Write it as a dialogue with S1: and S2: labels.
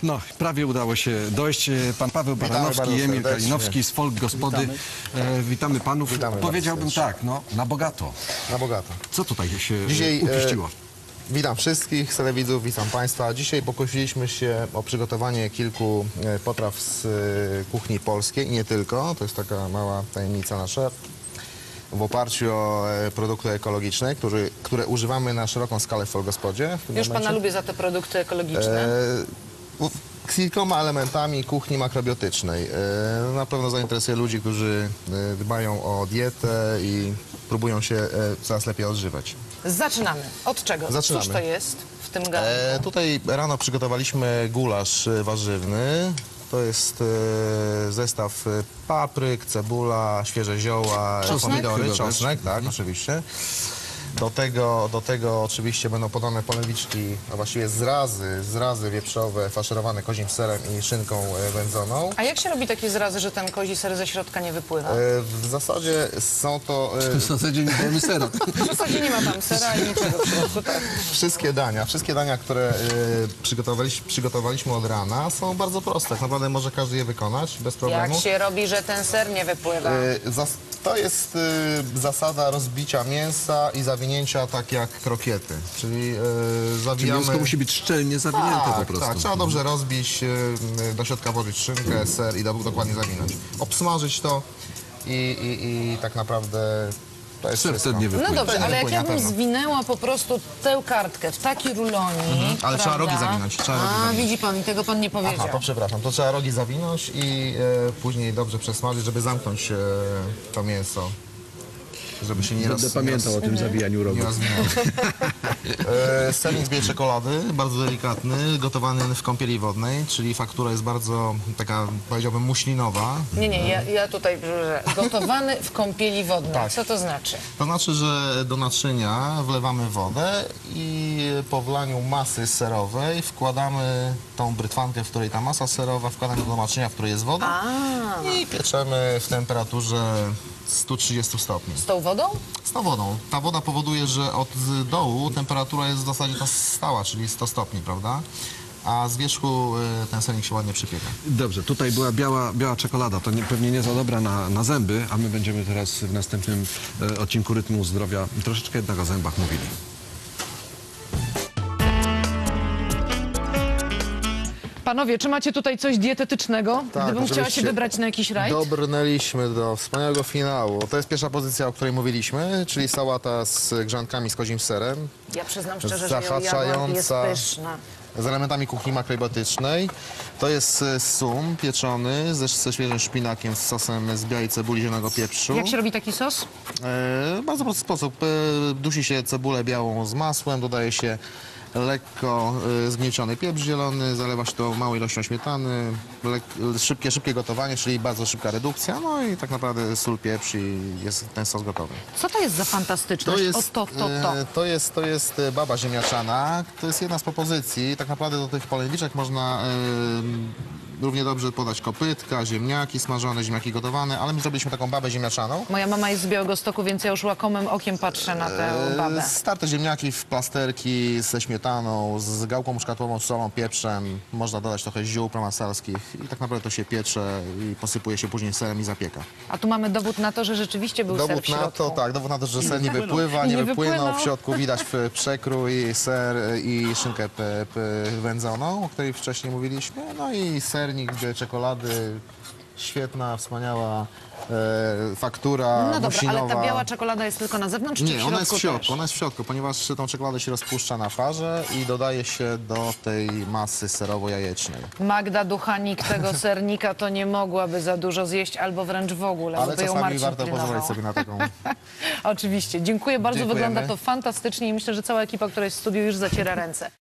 S1: No, prawie udało się dojść. Pan Paweł Baranowski i Emil Kalinowski z Folk Gospody. Witamy panów.
S2: Witamy
S1: Powiedziałbym
S2: bardzo
S1: tak, no, na bogato.
S2: Na bogato.
S1: Co tutaj się
S2: Dzisiaj
S1: upieściło?
S2: witam wszystkich telewidzów, witam Państwa. Dzisiaj pokusiliśmy się o przygotowanie kilku potraw z kuchni polskiej i nie tylko. To jest taka mała tajemnica nasza. W oparciu o produkty ekologiczne, które używamy na szeroką skalę w Folgospodzie.
S3: Już pana lubię za te produkty ekologiczne.
S2: Z kilkoma elementami kuchni makrobiotycznej. Na pewno zainteresuje ludzi, którzy dbają o dietę i próbują się coraz lepiej odżywać.
S3: Zaczynamy. Od czego?
S2: Zaczynamy.
S3: Cóż to jest w tym garnku?
S2: Tutaj rano przygotowaliśmy gulasz warzywny. To jest zestaw papryk, cebula, świeże zioła, pomidory, czosnek, tak, oczywiście. Do tego oczywiście będą podane polewiczki, a właściwie zrazy wieprzowe faszerowane kozim serem i szynką wędzoną.
S3: A jak się robi takie zrazy, że ten kozi ser ze środka nie wypływa?
S2: W zasadzie są to
S1: W zasadzie nie dajemy sera.
S3: W zasadzie nie ma tam sera i niczego w środku, tak.
S2: wszystkie dania, które przygotowaliśmy od rana, są bardzo proste. Tak naprawdę może każdy je wykonać bez problemu.
S3: Jak się robi, że ten ser nie wypływa?
S2: To jest zasada rozbicia mięsa i zawinięcia tak jak krokiety. Czyli zawijamy...
S1: Mięsko musi być szczelnie zawinięte po prostu.
S2: Tak, trzeba dobrze rozbić, do środka włożyć szynkę, ser i dokładnie zawinąć. Obsmażyć to i tak naprawdę to jest
S1: Ser
S2: wszystko.
S1: wtedy nie
S3: No
S1: wypłynie.
S3: dobrze, ale jak
S2: wypłynie
S3: ja
S2: na
S3: bym
S2: pewno.
S3: zwinęła po prostu tę kartkę w taki rulonik,
S2: Ale trzeba rogi
S3: prawda?
S2: zawinąć, trzeba rogi
S3: A,
S2: zawinąć.
S3: widzi pan, i tego pan nie powiedział.
S2: Aha, to przepraszam, to trzeba rogi zawinąć i później dobrze przesmażyć, żeby zamknąć to mięso. Żeby się nie
S1: Będę pamiętał o tym zawijaniu rogu.
S2: Nie rozwinęło. Sernik z białej czekolady, bardzo delikatny, gotowany w kąpieli wodnej, czyli faktura jest bardzo taka, powiedziałbym, muślinowa.
S3: Nie, ja tutaj że gotowany w kąpieli wodnej.
S2: Tak.
S3: Co to znaczy?
S2: To znaczy, że do naczynia wlewamy wodę i po wlaniu masy serowej wkładamy tą brytwankę, w której ta masa serowa, wkładamy do naczynia, w której jest woda i pieczemy w temperaturze 130 stopni.
S3: Z tą wodą?
S2: Z tą wodą. Ta woda powoduje, że od dołu temperatura jest w zasadzie ta stała, czyli 100 stopni, prawda? A z wierzchu ten sernik się ładnie przypieka.
S1: Dobrze, tutaj była biała czekolada, to pewnie nie za dobra na zęby, a my będziemy teraz w następnym odcinku Rytmu Zdrowia troszeczkę jednak o zębach mówili.
S3: Panowie, czy macie tutaj coś dietetycznego?
S2: Tak,
S3: Gdybym chciała się
S2: oczywiście.
S3: wybrać na jakiś rajd?
S2: Dobrnęliśmy do wspaniałego finału. To jest pierwsza pozycja, o której mówiliśmy, czyli sałata z grzankami z kozim serem,
S3: Ja przyznam szczerze, że ją jadłam i jest
S2: zahaczająca
S3: pyszna.
S2: z elementami kuchni makrobiotycznej. To jest sum pieczony ze świeżym szpinakiem z sosem z białej cebuli, zielonego pieprzu.
S3: Jak się robi taki sos?
S2: Bardzo prosty sposób. Dusi się cebulę białą z masłem, dodaje się lekko zgnieciony pieprz zielony, zalewa się to małą ilością śmietany, szybkie gotowanie, czyli bardzo szybka redukcja, no i tak naprawdę sól, pieprz i jest ten sos gotowy.
S3: Co to jest za fantastyczność?
S2: To jest baba ziemniaczana, to jest jedna z propozycji. Tak naprawdę do tych polędwiczek można równie dobrze podać kopytka, ziemniaki smażone, ziemniaki gotowane, ale my zrobiliśmy taką babę ziemniaczaną.
S3: Moja mama jest z Białegostoku, więc ja już łakomym okiem patrzę na tę babę.
S2: Starte ziemniaki w plasterki ze śmietaną, z gałką muszkatową, solą, pieprzem. Można dodać trochę ziół prowansalskich i tak naprawdę to się piecze i posypuje się później serem i zapieka.
S3: A tu mamy dowód na to, że rzeczywiście był ser w
S2: Dowód
S3: środku.
S2: na to, tak, dowód na to, że ser nie wypływa, nie wypłynął. W środku widać przekrój, ser i szynkę wędzoną, o której wcześniej mówiliśmy. No i sernik z czekolady, świetna, wspaniała faktura,
S3: No dobra,
S2: musinowa.
S3: ale ta biała czekolada jest tylko na zewnątrz, czy w
S2: Nie,
S3: środku
S2: ona jest w środku,
S3: też?
S2: ona jest w środku, ponieważ tą czekoladę się rozpuszcza na farze i dodaje się do tej masy serowo-jajecznej.
S3: Magda Duchanik tego sernika to nie mogłaby za dużo zjeść, albo wręcz w ogóle,
S2: Ale
S3: bo ją
S2: czasami
S3: Marcin
S2: warto
S3: pilnował.
S2: pozwolić sobie na taką...
S3: Oczywiście. Dziękuję bardzo,
S2: Dziękujemy.
S3: wygląda to fantastycznie i myślę, że cała ekipa, która jest w studiu, już zaciera ręce.